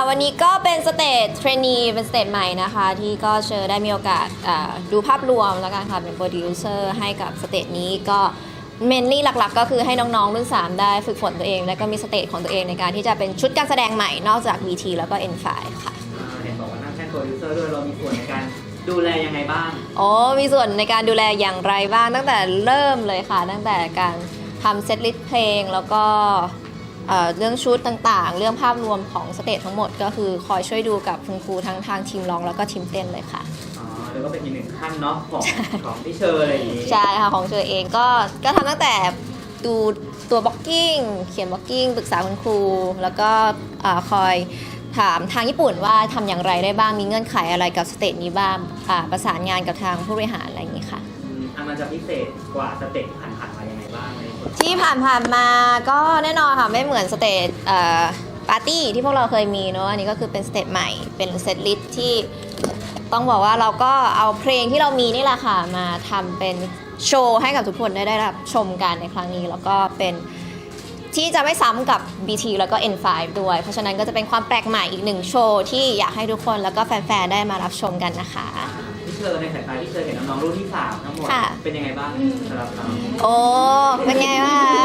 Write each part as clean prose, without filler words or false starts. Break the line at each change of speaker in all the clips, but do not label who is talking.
วันนี้ก็เป็นสเตจเทรนนีเป็นสเตจใหม่นะคะที่ก็เชิญได้มีโอกาสดูภาพรวมแล้วกันค่ะเป็นโปรดิวเซอร์ให้กับสเตจนี้ก็เมนลี่หลักๆก็คือให้น้องๆรุ่น3ได้ฝึกฝนตัวเองและก็มีสเตจของตัวเองในการที่จะเป็นชุดการแสดงใหม่นอกจาก VT แล้วก็ N5 ค่ะ
เห็นบอกว่านั่งแท่นโปรดิวเซอร์ด้วยเรามีส่วนในการดูแลยังไงบ้าง
มีส่วนในการดูแลอย่างไรบ้างตั้งแต่เริ่มเลยค่ะตั้งแต่การทำเซตลิสต์เพลงแล้วก็เรื่องชุดต่างๆเรื่องภาพรวมของสเตจทั้งหมดก็คือคอยช่วยดูกับคุณครูทั้งทางทีมร้องแล้วก็ทีมเต้นเลยค่ะ
แล้วก็เป็นอีกหนึ่งขั้นเนาะของพี่เชอร์อะไรอย่างนี้
ใช่ค่ะของเชอเองก็ทำตั้งแต่ดูตัวบล็อกกิ้งเขียนบล็อกกิ้งปรึกษาคุณครูแล้วก็คอยถามทางญี่ปุ่นว่าทำอย่างไรได้บ้างมีเงื่อนไขอะไรกับสเตจนี้บ้างประสานงานกับทางผู้บริหารอะไรอย่างนี้ค่ะ
มันจะพิเศษกว่าสเตจที่ผ่านๆมายังไงบ้าง
ที่ผ่านมาก็แน่นอนค่ะไม่เหมือนสเตจปาร์ตี้ที่พวกเราเคยมีเนอะอันนี้ก็คือเป็นสเตจใหม่เป็นเซตลิสต์ที่ต้องบอกว่าเราก็เอาเพลงที่เรามีนี่แหละค่ะมาทำเป็นโชว์ให้กับทุกคนได้รับชมกันในครั้งนี้แล้วก็เป็นที่จะไม่ซ้ำกับ BT แล้วก็ N5 ด้วยเพราะฉะนั้นก็จะเป็นความแปลกใหม่อีกหนึ่งโชว์ที่อยากให้ทุกคนแล้วก็แฟนๆได้มารับชมกันนะคะ
พี่เชอร์ในสายตาพี่เชอร์เห็นน้องๆรุ่นที่3ทั้งหมดเป็นยังไงบ้างสำหรับเรา
เป็นไงบ้าง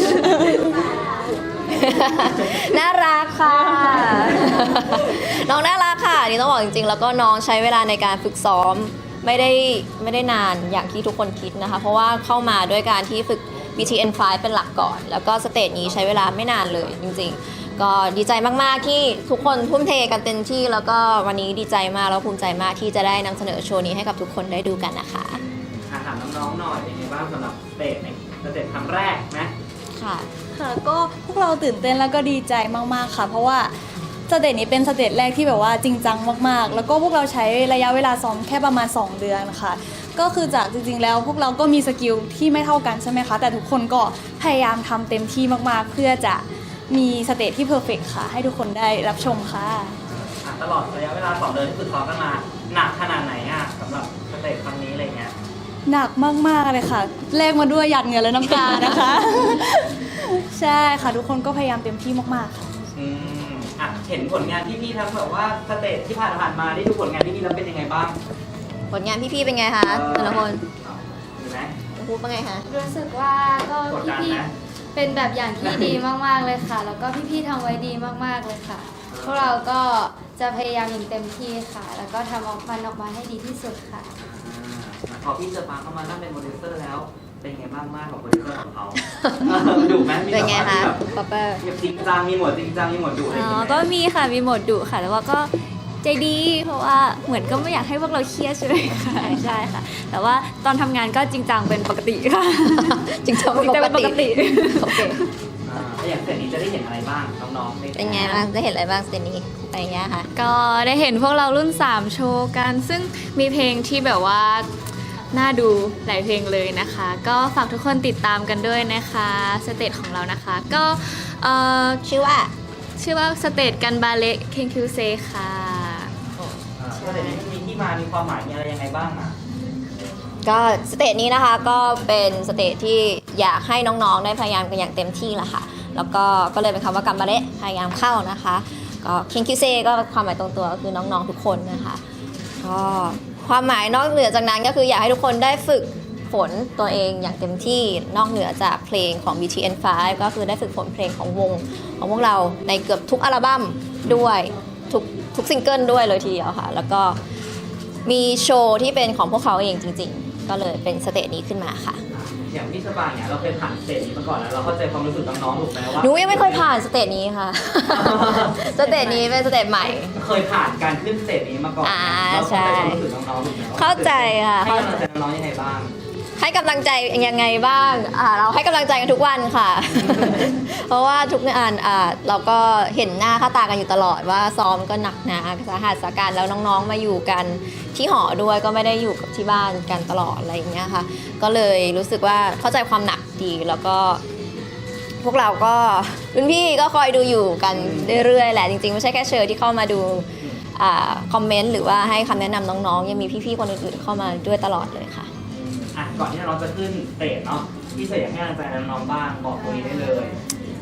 น่ารักค่ะน้องน่ารักค่ะนี่ต้องบอกจริงๆแล้วก็น้องใช้เวลาในการฝึกซ้อมไม่ได้นานอย่างที่ทุกคนคิดนะคะเพราะว่าเข้ามาด้วยการที่ฝึก BTN5 เป็นหลักก่อนแล้วก็สเตจนี้ใช้เวลาไม่นานเลยจริงๆก็ดีใจมากๆที่ทุกคนทุ่มเทกันเต็มที่แล้วก็วันนี้ดีใจมากแล้วภูมิใจมากที่จะได้นำเสนอโชว์นี้ให้กับทุกคนได้ดูกันนะคะ
ถามน้องๆหน่อยเป็นไงบ้างสำหรับสเตจในสเตจครั้งแรกนะ
ค่ะก็พวกเราตื่นเต้นแล้วก็ดีใจมากๆค่ะเพราะว่าสเตจนี้เป็นสเตจแรกที่แบบว่าจริงจังมากๆแล้วก็พวกเราใช้ระยะเวลาซ้อมแค่ประมาณ2 เดือนค่ะก็คือจากจริงๆแล้วพวกเราก็มีสกิลที่ไม่เท่ากันใช่ไหมคะแต่ทุกคนก็พยายามทำเต็มที่มากๆเพื่อจะมีสเตจที่เพอร์เฟกต์ค่ะให้ทุกคนได้รับชมค่ะ
ตลอดระยะเวลา2 เดือนที่ฝึกซ้อมกันมาหนักขนาดไหนสำหรับสเตจครั้งนี้อะไรเงี้ย
หนักมากๆเลยค่ะแลกมาด้วยหยาดเหงื่อและน้ำตานะคะ ใช่ค่ะทุกคนก็พยายามเต็มที่มากๆค่ะ
เห็นผลงานพี่ๆทั้งแบบว่าสเตจที่ผ่านมาได้ดูผลงานพี่ๆแล้วเป็นยังไงบ้าง
ผลงานพี่ๆเป็นไงคะแต่ละคน
ดีไหม
พูดว่าไงคะ
รู้สึกว่าก็พี่ๆเป็นแบบอย่างที่ดีมากๆเลยค่ะแล้วก็พี่ๆทำไว้ดีมากๆเลยค่ะพวกเราก็จะพยายามอย่างเต็มที่ค่ะแล้วก็ทำออกมาให้ดีที่สุดค่ะ
พอพี่เจอปาเข้ามานั่งเป็นโปรดิวเซอร์แล้วเป็นไงบ้างมากกับโปรดิวเซอร์ของเขาดุไหม
เป็นไงคะป๊อปเปอร์
จริงจังมีหมดจริงจังมีหมดดุอะไรอย่างเงี้ย
ก็มีค่ะมีโหมดดุค่ะแต่ว่าก็ใจดีเพราะว่าเหมือนก็ไม่อยากให้พวกเราเครียดใช่ไหมค่ะใช่ค่ะแต่ว่าตอนทำงานก็จริงจังเป็นปกติค่ะ
จริงจังเป็นปกติโอเค
อย่างเสร็จนี้จะได้เห็นอะไรบ้างน้องๆ
เป็นไงบ้างได้เห็นอะไรบ้างเสร็จนี้ไปเงี้ยค่ะ
ก็ได้เห็นพวกเรารุ่น3โชว์กันซึ่งมีเพลงที่แบบว่าน่าดูหลายเพลงเลยนะคะก็ฝากทุกคนติดตามกันด้วยนะคะสเตจของเรานะคะก็
ชื่อว่า
สเตจกันบาเละเคนคิวเซค่ะ
สเตจนี้มีที่มามีความหมายมีอะไรยังไงบ้าง
ก็สเตจนี้นะคะก็เป็นสเตจที่อยากให้น้องๆได้พยายามกันอย่างเต็มที่แหละค่ะแล้วก็เลยเป็นคำว่ากันบาเละพยายามเข้านะคะก็เคนคิวเซก็ความหมายตรงตัวก็คือน้องๆทุกคนนะคะก็ความหมายนอกเหนือจากนั้นก็คืออยากให้ทุกคนได้ฝึกฝนตัวเองอย่างเต็มที่นอกเหนือจากเพลงของ BTN5 ก็คือได้ฝึกฝนเพลงของวงของพวกเราในเกือบทุกอัลบั้มด้วยทุกซิงเกิลด้วยเลยทีเดียวค่ะแล้วก็มีโชว์ที่เป็นของพวกเขาเองจริงๆก็เลยเป็นสเตจนี้ขึ้นมาค่ะ
อย่างพี่สปางเนี่ยเราเคยผ่านสเตจนี้มาก่อนแล้วเราเข้าใจความรู้สึกน้องๆถูกไหมว่า
หนูยังไม่เคยผ่านสเตจนี้ค่ะสเตจนี้เป็นสเตจใหม่
เคยผ่านการขึ้นสเตจนี้มาก่อนเราเข้าใจความรู้สึกน้องๆถูกไหม
เข้าใจค่ะ
ให้กำลังใจน้องๆยังไงบ้าง
ให้กำลังใจยังไงบ้างเราให้กำลังใจกันทุกวันค่ะ เพราะว่าทุกงานเราก็เห็นหน้าค่าตากันอยู่ตลอดว่าซ้อมก็หนักหนาสาหัสสาการแล้วน้องๆมาอยู่กันที่หอด้วยก็ไม่ได้อยู่กับที่บ้านกันตลอดอะไรอย่างเงี้ยค่ะก็เลยรู้สึกว่าเข้าใจความหนักดีแล้วก็พวกเราก็รุ่นพี่ก็คอยดูอยู่กันเรื่อยๆแหละจริงๆไม่ใช่แค่เชอร์ที่เข้ามาดูคอมเมนต์หรือว่าให้คำแนะนำน้องๆยังมีพี่ๆคนอื่นๆเข้ามาด้วยตลอดเลยค่ะ
ก่อนที่น้องจะขึ้นสเตจเนาะพี่เสกอยากให้กำลังใจน้องๆบ้างบอกตรงนี้ได้เลย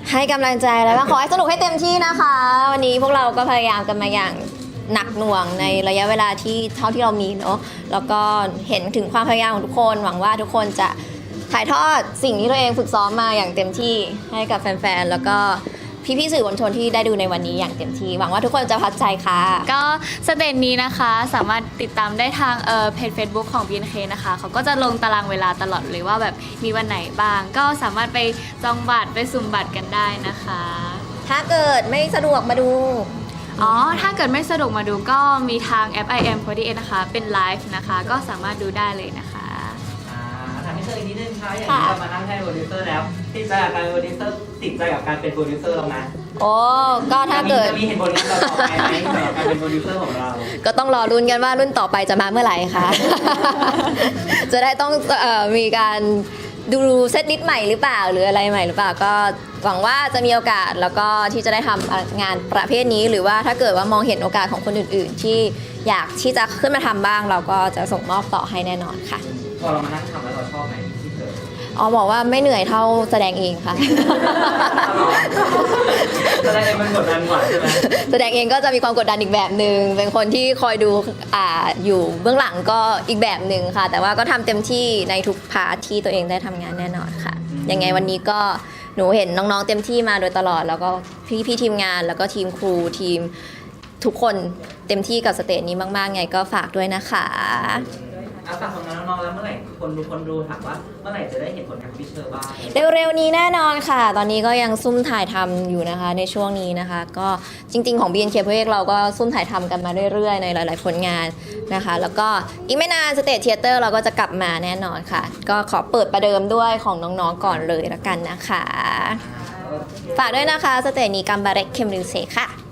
ให้กำลังใจแล้วก็ขอให้สนุกให้เต็มที่นะคะ วันนี้พวกเราก็พยายามกันมาอย่างหนักหน่วงในระยะเวลาที่เท่าที่เรามีเนาะแล้วก็เห็นถึงความพยายามของทุกคนหวังว่าทุกคนจะถ่ายทอดสิ่งที่ตัวเองฝึกซ้อมมาอย่างเต็มที่ให้กับแฟนๆแล้วก็พี่ๆสื่อมวลชนที่ได้ดูในวันนี้อย่างเต็มที่หวังว่าทุกคนจะพัดใจค่ะ
ก็สเตจนี้นะคะสามารถติดตามได้ทางเพจ Facebook ของ BNK นะคะเขาก็จะลงตารางเวลาตลอดเลยว่าแบบมีวันไหนบ้าง ก็สามารถไปจองบัตรไปสุ่มบัตรกันได้นะคะ
ถ้าเกิดไม่สะดวกมาดู
อ๋อ ถ้าเกิดไม่สะดวกมาดูก็มีทางแอป IM48 นะคะ เป็นไลฟ์นะคะ ก็สามารถดูได้เลยนะคะ
ถามพี่เตยอีกนิดนึงค่ะอย่างที่เรามานั่งให้โปรดิวเซอร์แล้วติดใจกับการเป็นโปรดิวเซอร์ติดใจกับการเป็นโปรดิวเซอร์เราไหม
โอ้ก็ถ้าเกิด
จะมีเหตุผลอะไรต่อไปไหมสำหรับการเป็นโปรดิวเซอร์ของเรา
ก็ต้องรอรุ้นกันว่ารุ่นต่อไปจะมาเมื่อไหร่ค่ะ จะได้ต้องมีการดูเซตลิสต์ใหม่หรือเปล่าหรืออะไรใหม่หรือเปล่าก็หวังว่าจะมีโอกาสแล้วก็ที่จะได้ทำงานประเภทนี้หรือว่าถ้าเกิดว่ามองเห็นโอกาสของคนอื่นๆ ที่อยากที่จะขึ้นมาทำบ้างเราก็จะส่งมอบต่อให้แน่นอนค่ะ
พอเรามานั่งทำแล้วเราชอบไหมที่เตย
อ๋อบอกว่าไม่เหนื่อยเท่าแสดงเองค่ะ
แสดงมันกดดันกว่าใช่ไหม
แสดงเองก็จะมีความกดดันอีกแบบหนึ่งเป็นคนที่คอยดูอยู่เบื้องหลังก็อีกแบบหนึ่งค่ะ แต่ว่าก็ทำเต็มที่ในทุกพาร์ทที่ตัวเองได้ทำงานแน่นอนค่ะ ยังไงวันนี้ก็หนูเห็นน้องๆเต็มที่มาโดยตลอด แล้วก็พี่ๆทีมงานแล้วก็ทีมครูทีมทุกคนเต็มที่กับสเตจนี้มากๆไงก็ฝากด้วยนะคะ
ฝากผลงานน้องๆแล้วเมื่อไหร่คนดูถามว่าเมื่อไหร่จะได้เห็นผลงานของพี่เตยบ้าง
เร็วๆนี้แน่นอนค่ะ ตอนนี้ก็ยังซุ่มถ่ายทำอยู่นะคะในช่วงนี้นะคะ ก็จริงๆของ BNK เพลเราก็ซุ่มถ่ายทำกันมาเรื่อยๆในหลายๆผลงานนะคะ แล้วก็อีกไม่นานสเตจเทเตอร์เราก็จะกลับมาแน่นอนค่ะ ก็ขอเปิดประเดิมด้วยของน้องๆก่อนเลยละกันนะคะ ฝากด้วยนะคะสเตจนี้กัมบาเร็กเคมริวเซค่ะ